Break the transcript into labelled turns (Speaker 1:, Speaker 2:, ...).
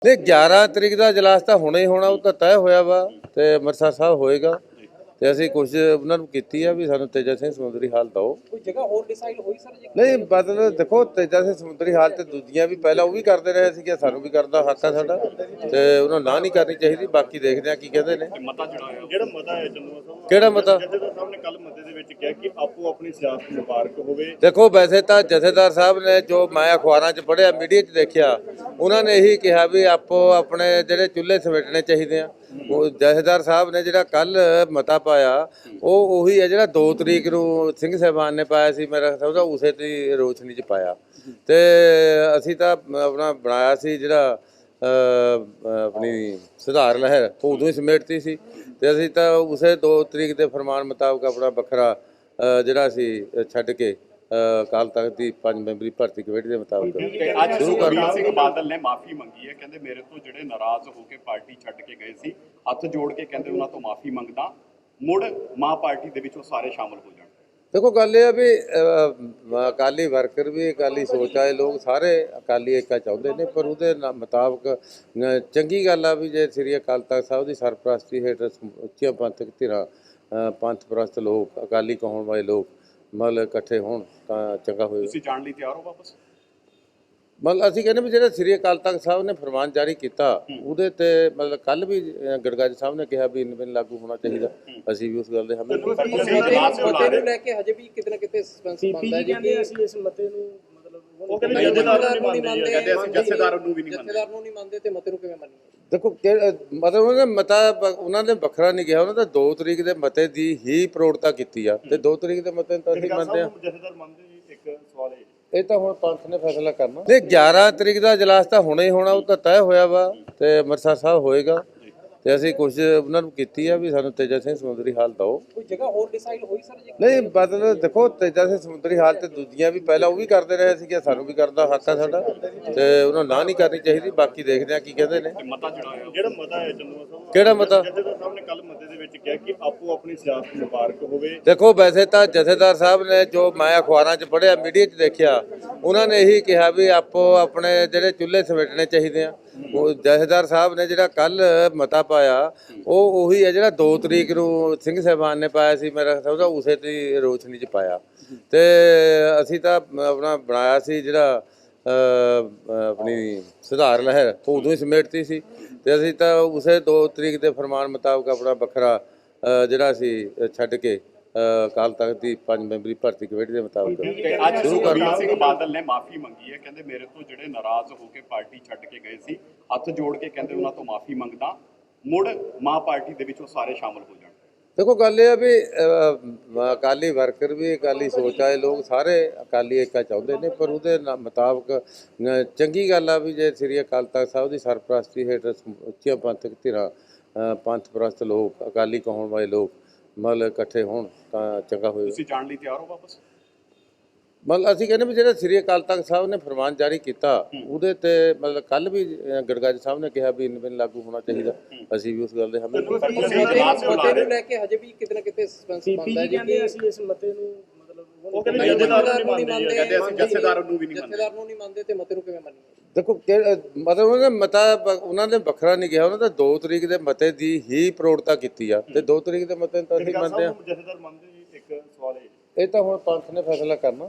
Speaker 1: ਨਹੀਂ 11 ਤਰੀਕ ਦਾ ਇਜਲਾਸ ਤਾਂ ਹੋਣਾ ਹੀ ਹੋਣਾ, ਉਹ ਤਾਂ ਤੈਅ ਹੋਇਆ ਵਾ ਤੇ ਅੰਮ੍ਰਿਤਸਰ ਸਾਹਿਬ ਹੋਏਗਾ ਤੇ ਅਸੀਂ ਕੁਝ ਉਹਨਾਂ ਨੂੰ ਕੀਤੀ ਆ ਵੀ ਸਾਨੂੰ ਤੇਜਾ ਸਿੰਘ ਸਮੁੰਦਰੀ ਹਾਲ ਦਿਓ।
Speaker 2: ਕੋਈ ਜਗ੍ਹਾ ਹੋਰ ਡਿਸਾਈਡ ਹੋਈ ਸਰ ਜੀ?
Speaker 1: ਨਹੀਂ ਮਤਲਬ ਦੇਖੋ ਤੇਜਾ ਸਿੰਘ ਸਮੁੰਦਰੀ ਹਾਲ ਤੇ ਦੂਜੀਆਂ ਵੀ ਪਹਿਲਾਂ ਉਹ ਵੀ ਕਰਦੇ ਰਹੇ ਸੀ ਕਿ ਸਾਨੂੰ ਵੀ ਕਰਦਾ ਹੱਕ ਆ ਸਾਡਾ ਤੇ ਉਹਨਾਂ ਨਾ ਨਹੀਂ ਕਰਨੀ ਚਾਹੀਦੀ। ਬਾਕੀ ਦੇਖਦੇ ਆ ਕੀ ਕਹਿੰਦੇ ਨੇ।
Speaker 3: ਮਤਾ ਜਿਹੜਾ ਮਤਾ ਹੈ ਚੰਦੂਆ ਸਾਹਿਬ,
Speaker 1: ਕਿਹੜਾ ਮਤਾ?
Speaker 3: ਜਥੇਦਾਰ ਸਾਹਿਬ ਨੇ ਕੱਲ ਮਤੇ ਦੇ ਵਿੱਚ ਕਿਹਾ ਕਿ ਆਪੋ ਆਪਣੀ ਸਿਆਸਤ ਮੁਬਾਰਕ ਹੋਵੇ।
Speaker 1: ਦੇਖੋ ਵੈਸੇ ਤਾਂ ਜਥੇਦਾਰ ਸਾਹਿਬ ਨੇ ਜੋ ਮੈਂ ਅਖਬਾਰਾਂ 'ਚ ਪੜ੍ਹਿਆ, ਮੀਡੀਆ 'ਚ ਦੇਖਿਆ, ਉਹਨਾਂ ਨੇ ਇਹੀ ਕਿਹਾ ਵੀ ਆਪੋ ਆਪਣੇ ਜਿਹੜੇ ਚੁੱਲ੍ਹੇ ਸਮੇਟਣੇ ਚਾਹੀਦੇ ਆ। ਉਹ ਜਥੇਦਾਰ ਸਾਹਿਬ ਨੇ ਜਿਹੜਾ ਕੱਲ ਮਤਾ ਪਾਇਆ ਉਹ ਉਹੀ ਹੈ ਜਿਹੜਾ 2 ਤਰੀਕ ਨੂੰ ਸਿੰਘ ਸਾਹਿਬਾਨ ਨੇ ਪਾਇਆ ਸੀ, ਮੇਰਾ ਸਮਝਦਾ ਉਸੇ ਦੀ ਰੋਸ਼ਨੀ 'ਚ ਪਾਇਆ। ਤੇ ਅਸੀਂ ਤਾਂ ਆਪਣਾ ਬਣਾਇਆ ਸੀ ਜਿਹੜਾ ਆਪਣੀ ਸੁਧਾਰ ਲਹਿਰ, ਉਹ ਉਦੋਂ ਹੀ ਸਮੇਟਤੀ ਸੀ ਤੇ ਅਸੀਂ ਤਾਂ ਉਸੇ 2 ਤਰੀਕ ਦੇ ਫਰਮਾਨ ਮੁਤਾਬਕ ਆਪਣਾ ਵੱਖਰਾ ਜਿਹੜਾ ਸੀ ਛੱਡ ਕੇ ਅਕਾਲ ਤਖਤ ਦੀ 5 ਮੈਂਬਰੀ ਭਰਤੀ ਕਮੇਟੀ ਦੇ ਮੁਤਾਬਕ
Speaker 3: ਅੱਜ ਸੁਖਬੀਰ ਸਿੰਘ ਬਾਦਲ ਨੇ ਮਾਫੀ ਮੰਗੀ ਹੈ, ਕਹਿੰਦੇ ਮੇਰੇ ਤੋਂ ਜਿਹੜੇ ਨਾਰਾਜ਼ ਹੋ ਕੇ ਪਾਰਟੀ ਛੱਡ ਕੇ ਗਏ ਸੀ, ਹੱਥ ਜੋੜ ਕੇ ਕਹਿੰਦੇ ਉਹਨਾਂ ਤੋਂ ਮਾਫੀ ਮੰਗਦਾ, ਮੁੜ ਮਾਂ ਪਾਰਟੀ ਦੇ ਵਿੱਚ ਉਹ ਸਾਰੇ ਸ਼ਾਮਲ ਹੋ ਜਾਣ।
Speaker 1: ਦੇਖੋ ਗੱਲ ਇਹ ਆ ਵੀ ਅਕਾਲੀ ਵਰਕਰ ਵੀ, ਅਕਾਲੀ ਸੋਚ ਵਾਲੇ ਲੋਕ ਸਾਰੇ ਅਕਾਲੀ ਏਕਾ ਚਾਹੁੰਦੇ ਨੇ, ਪਰ ਉਹਦੇ ਮੁਤਾਬਕ ਚੰਗੀ ਗੱਲ ਆ ਵੀ ਜੇ ਸ੍ਰੀ ਅਕਾਲ ਤਖਤ ਸਾਹਿਬ ਦੀ ਸਰਪ੍ਰਸਤੀ ਹੇਠ ਉੱਚੀਆਂ ਪੰਥਕ ਧਿਰਾਂ, ਪੰਥ ਪ੍ਰਸਤ ਲੋਕ, ਅਕਾਲੀ ਕਹਾਉਣ ਵਾਲੇ ਲੋਕ ਮਤਲਬ ਇਕੱਠੇ ਹੋਣ ਤਾਂ ਚੰਗਾ ਹੋਏਗਾ।
Speaker 3: ਤੁਸੀਂ ਜਾਣ ਲਈ ਤਿਆਰ ਹੋ ਵਾਪਸ?
Speaker 1: ਮਤਲਬ ਅਸੀਂ ਕਹਿੰਦੇ ਵੀ ਜਿਹੜਾ ਸ੍ਰੀ ਅਕਾਲ ਤਖਤ ਸਾਹਿਬ ਨੇ ਫਰਮਾਨ ਜਾਰੀ ਕੀਤਾ ਉਹਦੇ ਤੇ ਮਤਲਬ ਕੱਲ ਵੀ ਗੜਗਾਜ ਸਾਹਿਬ ਨੇ ਕਿਹਾ ਵੀ ਇਨਵੇਂ ਲਾਗੂ ਹੋਣਾ ਚਾਹੀਦਾ, ਅਸੀਂ ਵੀ ਉਸ ਗੱਲ ਦੇ ਹਮੇ।
Speaker 2: ਮਤੇ ਨੂੰ ਲੈ ਕੇ ਹਜੇ ਵੀ ਕਿਤੇ ਨਾ ਕਿਤੇ ਸਸਪੈਂਸ ਬਣਦਾ ਹੈ ਜੀ ਕਿ ਅਸੀਂ ਇਸ ਮਤੇ ਨੂੰ ਮਤਲਬ
Speaker 3: ਉਹ ਕਹਿੰਦੇ ਜਥੇਦਾਰ ਨੂੰ ਨਹੀਂ ਮੰਨਦੇ, ਕਹਿੰਦੇ ਅਸੀਂ ਜਥੇਦਾਰ ਨੂੰ ਵੀ ਨਹੀਂ ਮੰਨਦੇ।
Speaker 2: ਜਥੇਦਾਰ ਨੂੰ ਨਹੀਂ ਮੰਨਦੇ ਤੇ ਮਤੇ ਨੂੰ ਕਿਵੇਂ ਮੰਨੀਏ?
Speaker 1: ਦੇਖੋ ਮਤਲਬ ਉਹਨਾਂ ਨੇ ਮਤਾ ਉਹਨਾਂ ਨੇ ਵੱਖਰਾ ਨਹੀਂ ਕਿਹਾ, ਉਹਨਾਂ ਨੇ 2 ਤਰੀਕ ਦੇ ਮਤੇ ਦੀ ਹੀ ਪ੍ਰੋੜਤਾ ਕੀਤੀ ਆ ਤੇ 2 ਤਰੀਕ ਦੇ ਮਤੇ ਨੂੰ ਤਾਂ ਅਸੀਂ ਮੰਨਦੇ ਆ।
Speaker 3: ਜਥੇਦਾਰ ਮੰਨਦੇ ਜੀ? ਇੱਕ ਸਵਾਲ ਹੈ,
Speaker 1: ਇਹ ਤਾਂ ਹੁਣ ਪੰਥ ਨੇ ਫੈਸਲਾ ਕਰਨਾ। ਨਹੀਂ 11 ਤਰੀਕ ਦਾ ਇਜਲਾਸ ਤਾਂ ਹੋਣਾ ਹੀ ਹੋਣਾ, ਉਹ ਤਾਂ ਤੈਅ ਹੋਇਆ ਵਾ ਤੇ ਅੰਮ੍ਰਿਤਸਰ ਸਾਹਿਬ ਹੋਏਗਾ ਤੇ ਅਸੀਂ ਕੁਝ ਉਹਨਾਂ ਨੂੰ ਕੀਤੀ ਆ ਵੀ ਸਾਨੂੰ ਤੇਜਾ ਸਿੰਘ ਸਮੁੰਦਰੀ ਹਾਲ ਦਿਓ।
Speaker 2: ਕੋਈ ਜਗ੍ਹਾ ਹੋਰ ਡਿਸਾਈਡ ਹੋਈ ਸਰ ਜੀ?
Speaker 1: ਨਹੀਂ ਮਤਲਬ ਦੇਖੋ ਤੇਜਾ ਸਿੰਘ ਸਮੁੰਦਰੀ ਹਾਲ ਤੇ ਦੂਜੀਆਂ ਵੀ ਪਹਿਲਾਂ ਉਹ ਵੀ ਕਰਦੇ ਰਹੇ ਸੀ ਕਿ ਸਾਨੂੰ ਵੀ ਕਰਦਾ ਹੱਕ ਆ ਸਾਡਾ ਤੇ ਉਹਨਾਂ ਨਾ ਨਹੀਂ ਕਰਨੀ ਚਾਹੀਦੀ। ਬਾਕੀ ਦੇਖਦੇ ਆ ਕੀ ਕਹਿੰਦੇ ਨੇ।
Speaker 3: ਮਤਾ ਜਿਹੜਾ ਮਤਾ ਹੈ ਚੰਦੂਆ ਸਾਹਿਬ,
Speaker 1: ਕਿਹੜਾ ਮਤਾ?
Speaker 3: ਜਥੇਦਾਰ ਸਾਹਿਬ ਨੇ ਕੱਲ ਮਤੇ ਦੇ ਵਿੱਚ ਕਿਹਾ ਕਿ ਆਪੋ ਆਪਣੀ ਸਿਆਸਤ ਮੁਬਾਰਕ ਹੋਵੇ।
Speaker 1: ਦੇਖੋ ਵੈਸੇ ਤਾਂ ਜਥੇਦਾਰ ਸਾਹਿਬ ਨੇ ਜੋ ਮੈਂ ਅਖਬਾਰਾਂ 'ਚ ਪੜ੍ਹਿਆ, ਮੀਡੀਆ 'ਚ ਦੇਖਿਆ, ਉਹਨਾਂ ਨੇ ਇਹੀ ਕਿਹਾ ਵੀ ਆਪੋ ਆਪਣੇ ਜਿਹੜੇ ਚੁੱਲ੍ਹੇ ਸਮੇਟਣੇ ਚਾਹੀਦੇ ਆ। ਉਹ ਜਥੇਦਾਰ ਸਾਹਿਬ ਨੇ ਜਿਹੜਾ ਕੱਲ ਮਤਾ ਪਾਇਆ ਉਹ ਉਹੀ ਹੈ ਜਿਹੜਾ 2 ਤਰੀਕ ਨੂੰ ਸਿੰਘ ਸਾਹਿਬਾਨ ਨੇ ਪਾਇਆ ਸੀ, ਮੇਰਾ ਸਮਝਦਾ ਉਸੇ ਦੀ ਰੋਸ਼ਨੀ 'ਚ ਪਾਇਆ। ਤੇ ਅਸੀਂ ਤਾਂ ਆਪਣਾ ਬਣਾਇਆ ਸੀ ਜਿਹੜਾ ਆਪਣੀ ਸੁਧਾਰ ਲਹਿਰ, ਉਹ ਉਦੋਂ ਹੀ ਸਮੇਟਤੀ ਸੀ ਤੇ ਅਸੀਂ ਤਾਂ ਉਸੇ 2 ਤਰੀਕ ਦੇ ਫਰਮਾਨ ਮੁਤਾਬਕ ਆਪਣਾ ਵੱਖਰਾ ਜਿਹੜਾ ਸੀ ਛੱਡ ਕੇ ਅਕਾਲ ਤਖਤ ਦੀ 5 ਮੈਂਬਰੀ ਭਰਤੀ ਕਮੇਟੀ ਦੇ ਮੁਤਾਬਕ
Speaker 3: ਅੱਜ ਸੁਖਬੀਰ ਸਿੰਘ ਬਾਦਲ ਨੇ ਮਾਫੀ ਮੰਗੀ ਹੈ, ਕਹਿੰਦੇ ਮੇਰੇ ਤੋਂ ਜਿਹੜੇ ਨਾਰਾਜ਼ ਹੋ ਕੇ ਪਾਰਟੀ ਛੱਡ ਕੇ ਗਏ ਸੀ, ਹੱਥ ਜੋੜ ਕੇ ਕਹਿੰਦੇ ਉਹਨਾਂ ਤੋਂ ਮਾਫੀ ਮੰਗਦਾ, ਮੁੜ ਮਾਂ ਪਾਰਟੀ ਦੇ ਵਿੱਚ ਉਹ ਸਾਰੇ ਸ਼ਾਮਲ ਹੋ ਜਾਣ।
Speaker 1: ਦੇਖੋ ਗੱਲ ਇਹ ਆ ਵੀ ਅਕਾਲੀ ਵਰਕਰ ਵੀ, ਅਕਾਲੀ ਸੋਚ ਵਾਲੇ ਲੋਕ ਸਾਰੇ ਅਕਾਲੀ ਏਕਾ ਚਾਹੁੰਦੇ ਨੇ, ਪਰ ਉਹਦੇ ਮੁਤਾਬਕ ਚੰਗੀ ਗੱਲ ਆ ਵੀ ਜੇ ਸ੍ਰੀ ਅਕਾਲ ਤਖਤ ਸਾਹਿਬ ਦੀ ਸਰਪ੍ਰਸਤੀ ਹੇਠ ਉੱਚੀਆਂ ਪੰਥਕ ਧਿਰਾਂ, ਪੰਥ ਪ੍ਰਸਤ ਲੋਕ, ਅਕਾਲੀ ਕਹਾਉਣ ਵਾਲੇ ਲੋਕ ਮਤਲਬ ਇਕੱਠੇ ਹੋਣ ਤਾਂ ਚੰਗਾ ਹੋਏਗਾ।
Speaker 3: ਤੁਸੀਂ ਜਾਣ ਲਈ ਤਿਆਰ ਹੋ ਵਾਪਸ?
Speaker 1: ਮਤਲਬ ਅਸੀਂ ਕਹਿੰਦੇ ਵੀ ਜਿਹੜਾ ਸ੍ਰੀ ਅਕਾਲ ਤਖਤ ਸਾਹਿਬ ਨੇ ਫਰਮਾਨ ਜਾਰੀ ਕੀਤਾ ਉਹਦੇ ਤੇ ਮਤਲਬ ਕੱਲ ਵੀ ਗੜਗਾਜ ਸਾਹਿਬ ਨੇ ਕਿਹਾ ਵੀ ਇਨਵੇਂ ਲਾਗੂ ਹੋਣਾ ਚਾਹੀਦਾ, ਅਸੀਂ ਵੀ ਉਸ ਗੱਲ ਦੇ ਹਮੇ।
Speaker 2: ਮਤੇ ਨੂੰ ਲੈ ਕੇ ਹਜੇ ਵੀ ਕਿਤੇ ਨਾ ਕਿਤੇ ਸਸਪੈਂਸ ਬਣਦਾ ਹੈ ਜੀ ਕਿ ਅਸੀਂ ਇਸ ਮਤੇ ਨੂੰ ਮਤਲਬ
Speaker 3: ਉਹ ਕਹਿੰਦੇ ਜਥੇਦਾਰ ਨੂੰ ਨਹੀਂ ਮੰਨਦੇ, ਕਹਿੰਦੇ ਅਸੀਂ ਜਥੇਦਾਰ ਨੂੰ ਵੀ ਨਹੀਂ ਮੰਨਦੇ।
Speaker 2: ਜਥੇਦਾਰ ਨੂੰ ਨਹੀਂ ਮੰਨਦੇ ਤੇ ਮਤੇ ਨੂੰ ਕਿਵੇਂ ਮੰਨੀਏ?
Speaker 1: ਦੇਖੋ ਮਤਲਬ ਉਹਨਾਂ ਨੇ ਮਤਾ ਉਹਨਾਂ ਨੇ ਵੱਖਰਾ ਨਹੀਂ ਕਿਹਾ, ਉਹਨਾਂ ਨੇ 2 ਤਰੀਕ ਦੇ ਮਤੇ ਦੀ ਹੀ ਪ੍ਰੋੜਤਾ ਕੀਤੀ ਆ ਤੇ 2 ਤਰੀਕ ਦੇ ਮਤੇ ਨੂੰ ਤਾਂ ਅਸੀਂ ਮੰਨਦੇ ਆ।
Speaker 3: ਜਥੇਦਾਰ ਮੰਨਦੇ ਜੀ? ਇੱਕ ਸਵਾਲ ਹੈ,
Speaker 1: ਇਹ ਤਾਂ ਹੁਣ ਪੰਥ ਨੇ ਫੈਸਲਾ ਕਰਨਾ।